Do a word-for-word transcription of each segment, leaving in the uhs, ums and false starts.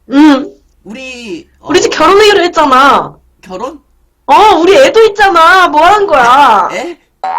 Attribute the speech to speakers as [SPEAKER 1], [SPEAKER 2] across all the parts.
[SPEAKER 1] 응.
[SPEAKER 2] 우리 어,
[SPEAKER 1] 우리 집 결혼하기로 했잖아.
[SPEAKER 2] 결혼?
[SPEAKER 1] 어, 우리 애도 있잖아. 뭐 하는 거야?
[SPEAKER 2] 에?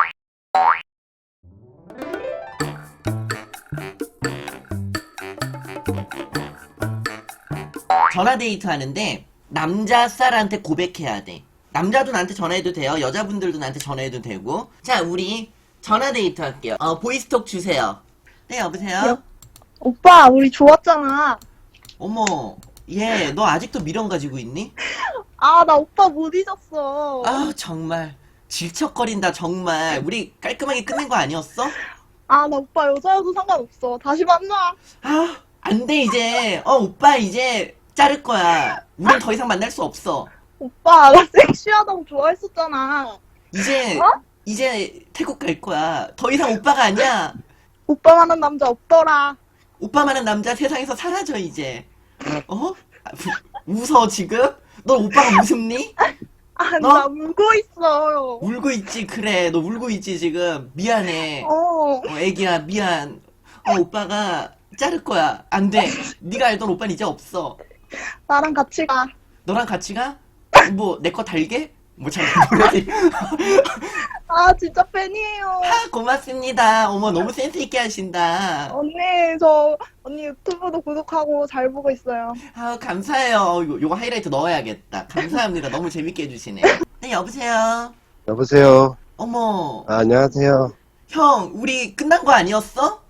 [SPEAKER 2] 전화 데이트 하는데 남자 쌀한테 고백해야 돼. 남자도 나한테 전화해도 돼요. 여자분들도 나한테 전화해도 되고. 자, 우리 전화 데이트 할게요. 어, 보이스톡 주세요. 네, 여보세요?
[SPEAKER 3] 여, 오빠, 우리 좋았잖아.
[SPEAKER 2] 어머, 얘, 너 아직도 미련 가지고 있니?
[SPEAKER 3] 아, 나 오빠 못 잊었어.
[SPEAKER 2] 아, 정말. 질척거린다, 정말. 우리 깔끔하게 끝낸 거 아니었어?
[SPEAKER 3] 아, 나 오빠 여자여도 상관없어. 다시 만나.
[SPEAKER 2] 아, 안 돼, 이제. 어, 오빠, 이제 자를 거야. 우린 더 이상 만날 수 없어.
[SPEAKER 3] 오빠, 나 섹시하다고 좋아했었잖아.
[SPEAKER 2] 이제,
[SPEAKER 3] 어?
[SPEAKER 2] 이제 태국 갈 거야. 더 이상 오빠가 아니야.
[SPEAKER 3] 오빠만한 남자 없더라.
[SPEAKER 2] 오빠만한 남자 세상에서 사라져, 이제. 어? 아, 웃어, 지금? 너 오빠가 무섭니?
[SPEAKER 3] 아,
[SPEAKER 2] 너?
[SPEAKER 3] 나 울고 있어.
[SPEAKER 2] 울고 있지, 그래. 너 울고 있지, 지금. 미안해.
[SPEAKER 3] 어.
[SPEAKER 2] 어, 애기야, 미안. 어, 오빠가 자를 거야. 안 돼. 네가 알던 오빠는 이제 없어.
[SPEAKER 3] 나랑 같이 가.
[SPEAKER 2] 너랑 같이 가? 뭐, 내 거 달게? 뭐, 잘 모르지.
[SPEAKER 3] 아, 진짜 팬이에요.
[SPEAKER 2] 아, 고맙습니다. 어머, 너무 센스있게 하신다.
[SPEAKER 3] 언니, 저, 언니 유튜브도 구독하고 잘 보고 있어요.
[SPEAKER 2] 아, 감사해요. 요, 요거 하이라이트 넣어야겠다. 감사합니다. 너무 재밌게 해주시네. 네, 여보세요?
[SPEAKER 4] 여보세요.
[SPEAKER 2] 어머,
[SPEAKER 4] 아, 안녕하세요.
[SPEAKER 2] 형, 우리 끝난 거 아니었어?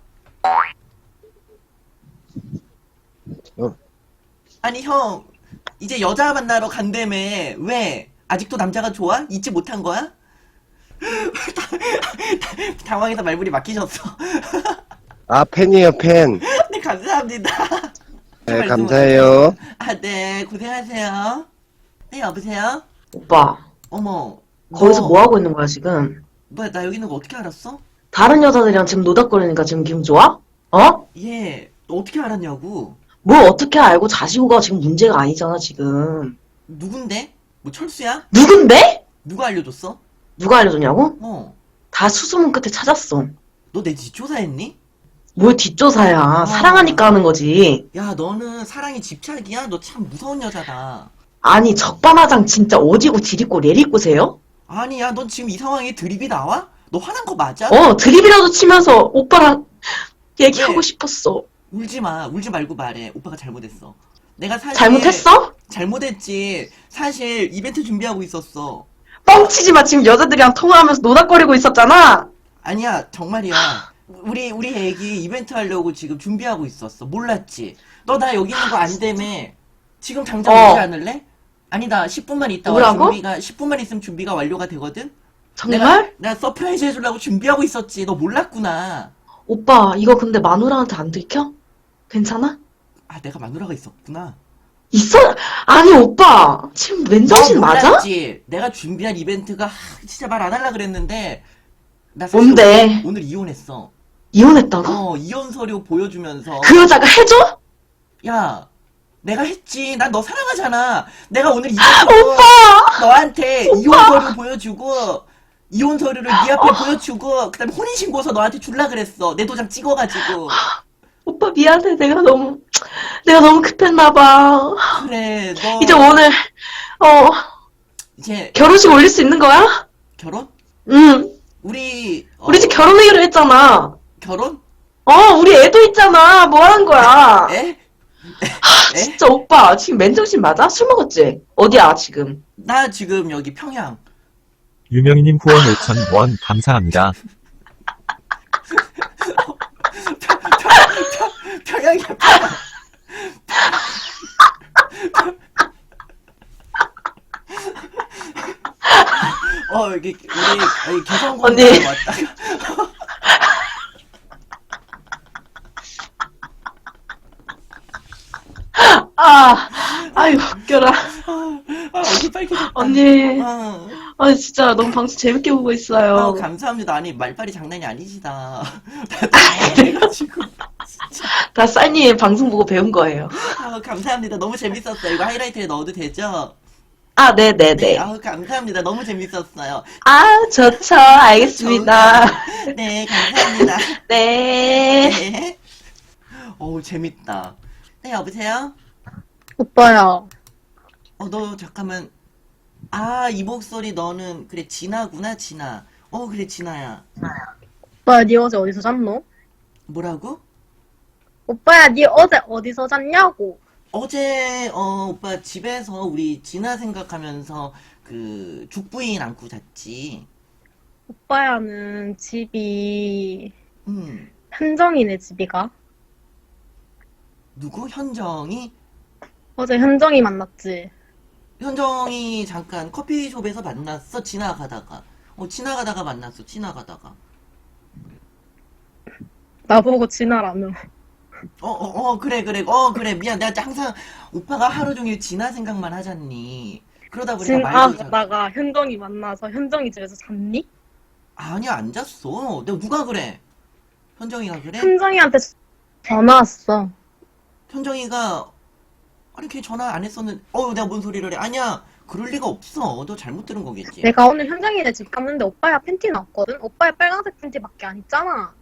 [SPEAKER 4] 어,
[SPEAKER 2] 아니, 형, 이제 여자 만나러 간다며. 왜? 아직도 남자가 좋아? 잊지 못한 거야? 당황해서 말문이 막히셨어.
[SPEAKER 4] 아, 팬이에요, 팬.
[SPEAKER 2] 네, 감사합니다.
[SPEAKER 4] 네,
[SPEAKER 2] 말씀
[SPEAKER 4] 감사해요.
[SPEAKER 2] 아, 네, 고생하세요. 네, 여보세요?
[SPEAKER 1] 오빠,
[SPEAKER 2] 어머,
[SPEAKER 1] 거기서
[SPEAKER 2] 너,
[SPEAKER 1] 뭐 하고 있는 거야, 지금?
[SPEAKER 2] 뭐야, 나 여기 있는 거 어떻게 알았어?
[SPEAKER 1] 다른 여자들이랑 지금 노닥거리니까 지금 기분 좋아? 어?
[SPEAKER 2] 얘, 너 어떻게 알았냐고?
[SPEAKER 1] 뭘 어떻게 알고 자시고가 지금 문제가 아니잖아, 지금.
[SPEAKER 2] 누군데? 뭐 철수야?
[SPEAKER 1] 누군데?
[SPEAKER 2] 누가 알려줬어?
[SPEAKER 1] 누가 알려줬냐고?
[SPEAKER 2] 어,
[SPEAKER 1] 다 수소문 끝에 찾았어.
[SPEAKER 2] 너 내 뒷조사했니?
[SPEAKER 1] 뭘 뒷조사야. 사랑하니까 하는 거지.
[SPEAKER 2] 야, 너는 사랑이 집착이야? 너 참 무서운 여자다.
[SPEAKER 1] 아니, 적반하장 진짜 오지고 지리고 내리고세요?
[SPEAKER 2] 아니야, 넌 지금 이 상황에 드립이 나와? 너 화난 거 맞아?
[SPEAKER 1] 어, 드립이라도 치면서 오빠랑 얘기하고
[SPEAKER 2] 왜?
[SPEAKER 1] 싶었어.
[SPEAKER 2] 울지 마. 울지 말고 말해. 오빠가 잘못했어. 내가 사실
[SPEAKER 1] 잘못했어?
[SPEAKER 2] 잘못했지. 사실 이벤트 준비하고 있었어.
[SPEAKER 1] 뻥치지 마. 지금 여자들이랑 통화하면서 노닥거리고 있었잖아.
[SPEAKER 2] 아니야, 정말이야. 우리 우리 애기 이벤트 하려고 지금 준비하고 있었어. 몰랐지? 너 나 여기 있는 거 안 되매. 지금 당장
[SPEAKER 1] 어.
[SPEAKER 2] 오지 않을래? 아니다. 십 분만 있다 와.
[SPEAKER 1] 뭐라고?
[SPEAKER 2] 준비가 십 분만 있으면 준비가 완료가 되거든.
[SPEAKER 1] 정말?
[SPEAKER 2] 내가 내가 서프라이즈 해주려고 준비하고 있었지. 너 몰랐구나.
[SPEAKER 1] 오빠, 이거 근데 마누라한테 안 들켜? 괜찮아?
[SPEAKER 2] 아, 내가 마누라가 있었구나.
[SPEAKER 1] 있어? 아니, 오빠. 지금 맨정신
[SPEAKER 2] 너
[SPEAKER 1] 맞아?
[SPEAKER 2] 몰랐지? 내가 준비한 이벤트가 하, 진짜 말 안 하려 그랬는데 나 사실
[SPEAKER 1] 뭔데?
[SPEAKER 2] 오늘, 오늘 이혼했어.
[SPEAKER 1] 이혼했다고?
[SPEAKER 2] 어, 이혼 서류 보여주면서
[SPEAKER 1] 그 여자가 해줘?
[SPEAKER 2] 야, 내가 했지. 난 너 사랑하잖아. 내가 오늘 이벤트로
[SPEAKER 1] 오빠!
[SPEAKER 2] 너한테 이혼 서류 보여주고 이혼 서류를 네 앞에 보여주고 그다음에 혼인신고서 너한테 줄라 그랬어. 내 도장 찍어가지고.
[SPEAKER 1] 오빠 미안해. 내가 너무, 내가 너무 급했나봐.
[SPEAKER 2] 그래, 너
[SPEAKER 1] 이제 오늘, 어,
[SPEAKER 2] 이제
[SPEAKER 1] 결혼식 올릴 수 있는 거야?
[SPEAKER 2] 결혼?
[SPEAKER 1] 응.
[SPEAKER 2] 우리 어,
[SPEAKER 1] 우리 집 결혼하기로 했잖아.
[SPEAKER 2] 결혼?
[SPEAKER 1] 어, 우리 애도 있잖아. 뭐 하는 거야?
[SPEAKER 2] 에? 에?
[SPEAKER 1] 진짜 오빠, 지금 맨정신 맞아? 술 먹었지? 어디야, 지금?
[SPEAKER 2] 나 지금 여기 평양.
[SPEAKER 5] 유명희님 후원 오천 원 감사합니다.
[SPEAKER 2] 평양이야, 평양. 어, 여기, 우리, 여기 개성공단
[SPEAKER 1] 언니.
[SPEAKER 2] 왔다가.
[SPEAKER 1] 아, 아유, 웃겨라.
[SPEAKER 2] 아, 얼굴 빨개졌다.
[SPEAKER 1] 언니,
[SPEAKER 2] 어,
[SPEAKER 1] 아 진짜 너무 방송 재밌게 보고
[SPEAKER 2] 어,
[SPEAKER 1] 있어요.
[SPEAKER 2] 감사합니다. 아니, 말빨이 장난이 아니시다. 해가지고.
[SPEAKER 1] 다 쌀님 방송 보고 배운 거예요.
[SPEAKER 2] 아, 감사합니다. 너무 재밌었어요. 이거 하이라이트에 넣어도 되죠?
[SPEAKER 1] 아,
[SPEAKER 2] 네,
[SPEAKER 1] 네네네.
[SPEAKER 2] 아우, 감사합니다. 너무 재밌었어요.
[SPEAKER 1] 아, 좋죠. 알겠습니다.
[SPEAKER 2] 네, 감사합니다.
[SPEAKER 1] 네.
[SPEAKER 2] 네. 어우, 재밌다. 네, 여보세요?
[SPEAKER 6] 오빠야,
[SPEAKER 2] 어, 너 잠깐만. 아, 이 목소리 너는 그래 진아구나, 진아. 어, 그래 진아야.
[SPEAKER 6] 오빠야, 니 어제 어디서 잤노?
[SPEAKER 2] 뭐라고?
[SPEAKER 6] 오빠야, 니 어제 어디서 잤냐고.
[SPEAKER 2] 어제 어 오빠 집에서 우리 진아 생각하면서 그 죽부인 안고 잤지.
[SPEAKER 6] 오빠야는 집이,
[SPEAKER 2] 음.
[SPEAKER 6] 현정이네, 집이가.
[SPEAKER 2] 누구? 현정이?
[SPEAKER 6] 어제 현정이 만났지.
[SPEAKER 2] 현정이 잠깐 커피숍에서 만났어. 지나가다가. 어, 지나가다가 만났어. 지나가다가.
[SPEAKER 6] 나보고 지나라며.
[SPEAKER 2] 어, 어, 어, 그래, 그래. 어, 그래. 미안. 내가 항상 오빠가 하루 종일 진아 생각만 하잖니. 그러다 보니까 말도 잘...
[SPEAKER 6] 지나가다가 현정이 만나서 현정이 집에서 잤니?
[SPEAKER 2] 아니야, 안 잤어. 내가 누가 그래? 현정이가 그래?
[SPEAKER 6] 현정이한테 전화 왔어.
[SPEAKER 2] 현정이가 아니 걔 전화 안 했었는데 어 내가 뭔 소리를 해 아니야 그럴 리가 없어 너 잘못 들은 거겠지
[SPEAKER 6] 내가 오늘 현정이네 집 갔는데 오빠야 팬티 나왔거든? 오빠야 빨간색 팬티밖에 안 입잖아.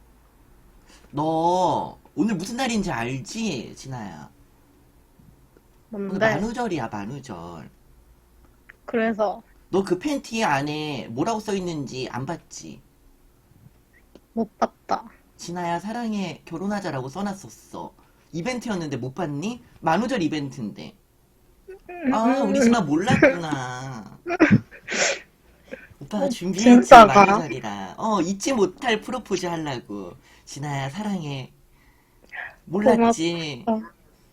[SPEAKER 2] 너 오늘 무슨 날인지 알지 진아야 오늘
[SPEAKER 6] 뭔데?
[SPEAKER 2] 만우절이야 만우절
[SPEAKER 6] 그래서
[SPEAKER 2] 너 그 팬티 안에 뭐라고 써있는지 안 봤지
[SPEAKER 6] 못 봤다.
[SPEAKER 2] 진아야 사랑해 결혼하자라고 써놨었어 이벤트였는데 못 봤니? 만우절 이벤트인데 아 우리 진아 몰랐구나 오빠가 준비했지
[SPEAKER 6] 진짜가?
[SPEAKER 2] 만우절이라 어 잊지 못할 프로포즈 하려고 진아야 사랑해 몰랐지
[SPEAKER 6] 고맙다.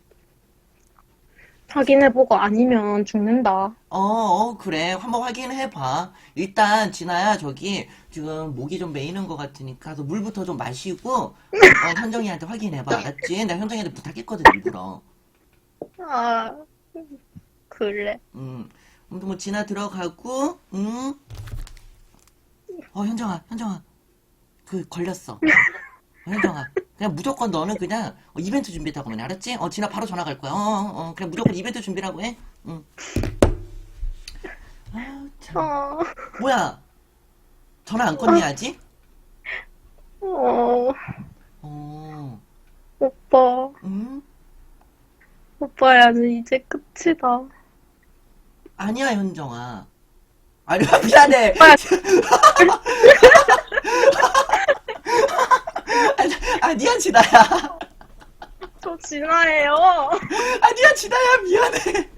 [SPEAKER 6] 확인해보고 아니면 죽는다.
[SPEAKER 2] 어, 어 그래 한번 확인해봐 일단 진아야 저기 지금 목이 좀 메이는 것 같으니까 가서 물부터 좀 마시고 어, 현정이한테 확인해봐 알았지? 내가 현정이한테 부탁했거든 일부러
[SPEAKER 6] 아, 그래.
[SPEAKER 2] 음, 아무튼 뭐 진아 들어가고, 음. 어 현정아, 현정아, 그 걸렸어. 어, 현정아, 그냥 무조건 너는 그냥 어, 이벤트 준비했다고 하면 알았지? 어 진아 바로 전화 갈 거야. 어, 어, 어, 그냥 무조건 이벤트 준비라고 해. 응. 아 참.
[SPEAKER 6] 어,
[SPEAKER 2] 뭐야? 전화 안 껐니 아직?
[SPEAKER 6] 어,
[SPEAKER 2] 어,
[SPEAKER 6] 오빠.
[SPEAKER 2] 음.
[SPEAKER 6] 오빠야는 이제 끝이다.
[SPEAKER 2] 아니야 현정아. 아니 미안해.
[SPEAKER 6] 오빠,
[SPEAKER 2] 아니, 아니야 진아야.
[SPEAKER 6] 저 진아예요.
[SPEAKER 2] 아니야 진아야 미안해.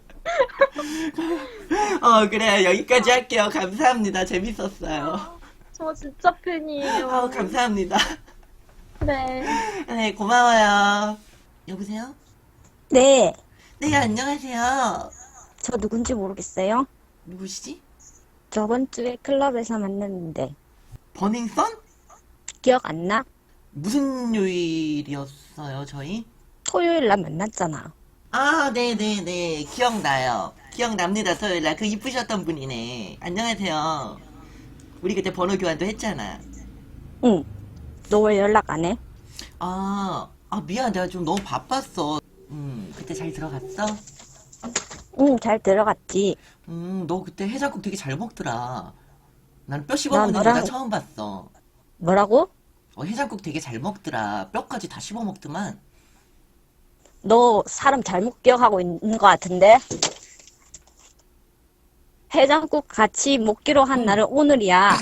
[SPEAKER 2] 어 그래 여기까지 할게요. 감사합니다. 재밌었어요.
[SPEAKER 6] 저 진짜 팬이에요.
[SPEAKER 2] 아우 감사합니다.
[SPEAKER 6] 네.
[SPEAKER 2] 네 고마워요. 여보세요?
[SPEAKER 7] 네,
[SPEAKER 2] 네 안녕하세요.
[SPEAKER 7] 저 누군지 모르겠어요.
[SPEAKER 2] 누구시지?
[SPEAKER 7] 저번 주에 클럽에서 만났는데
[SPEAKER 2] 버닝썬?
[SPEAKER 7] 기억 안 나?
[SPEAKER 2] 무슨 요일이었어요 저희?
[SPEAKER 7] 토요일 날 만났잖아.
[SPEAKER 2] 아 네네네 기억나요. 기억납니다 토요일날 그 이쁘셨던 분이네. 안녕하세요. 우리 그때 번호 교환도 했잖아.
[SPEAKER 7] 응. 너 왜 연락 안 해?
[SPEAKER 2] 아, 아 미안 내가 좀 너무 바빴어. 음 그때 잘 들어갔어?
[SPEAKER 7] 응, 잘 들어갔지.
[SPEAKER 2] 음 너 그때 해장국 되게 잘 먹더라. 나는 뼈
[SPEAKER 7] 나
[SPEAKER 2] 씹어먹는 여자
[SPEAKER 7] 너랑
[SPEAKER 2] 처음 봤어.
[SPEAKER 7] 뭐라고?
[SPEAKER 2] 어, 해장국 되게 잘 먹더라. 뼈까지 다 씹어먹더만.
[SPEAKER 7] 너 사람 잘못 기억하고 있는 것 같은데? 해장국 같이 먹기로 한 날은 오늘이야.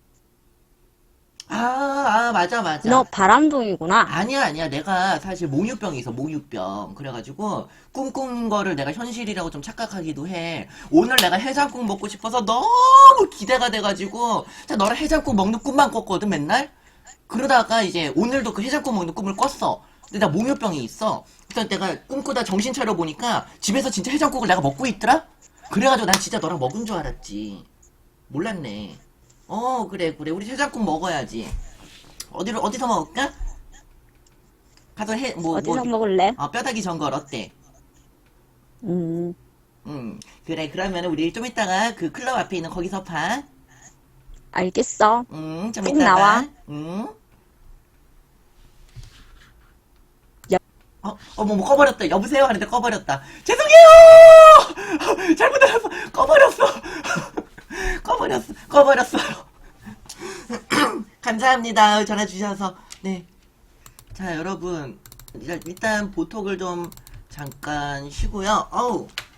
[SPEAKER 2] 아, 아, 맞아, 맞아.
[SPEAKER 7] 너 바람둥이구나.
[SPEAKER 2] 아니야, 아니야. 내가 사실 몽유병이 있어, 몽유병. 그래가지고, 꿈꾼 거를 내가 현실이라고 좀 착각하기도 해. 오늘 내가 해장국 먹고 싶어서 너무 기대가 돼가지고, 진짜 너랑 해장국 먹는 꿈만 꿨거든, 맨날? 그러다가 이제 오늘도 그 해장국 먹는 꿈을 꿨어. 근데 나 몽유병이 있어. 그래서 내가 꿈꾸다 정신 차려보니까 집에서 진짜 해장국을 내가 먹고 있더라? 그래가지고 난 진짜 너랑 먹은 줄 알았지. 몰랐네. 어, 그래, 그래. 우리 해장국 먹어야지. 어디로, 어디서 먹을까? 가서 해, 뭐,
[SPEAKER 7] 어디서
[SPEAKER 2] 뭐,
[SPEAKER 7] 먹을래?
[SPEAKER 2] 어, 뼈다귀 전골 어때?
[SPEAKER 7] 음,
[SPEAKER 2] 음, 그래. 그러면 우리 좀 이따가 그 클럽 앞에 있는 거기서 봐.
[SPEAKER 7] 알겠어.
[SPEAKER 2] 음, 좀
[SPEAKER 7] 꼭
[SPEAKER 2] 이따가.
[SPEAKER 7] 나와.
[SPEAKER 2] 음.
[SPEAKER 7] 야.
[SPEAKER 2] 어, 어머, 뭐 꺼버렸다. 여보세요? 하는데 꺼버렸다. 죄송해요! 잘못 알았어. 꺼버렸어. 꺼버렸어. 꺼버렸어요. 감사합니다. 전화 주셔서. 네. 자, 여러분. 일단 보톡을 좀 잠깐 쉬고요. 어우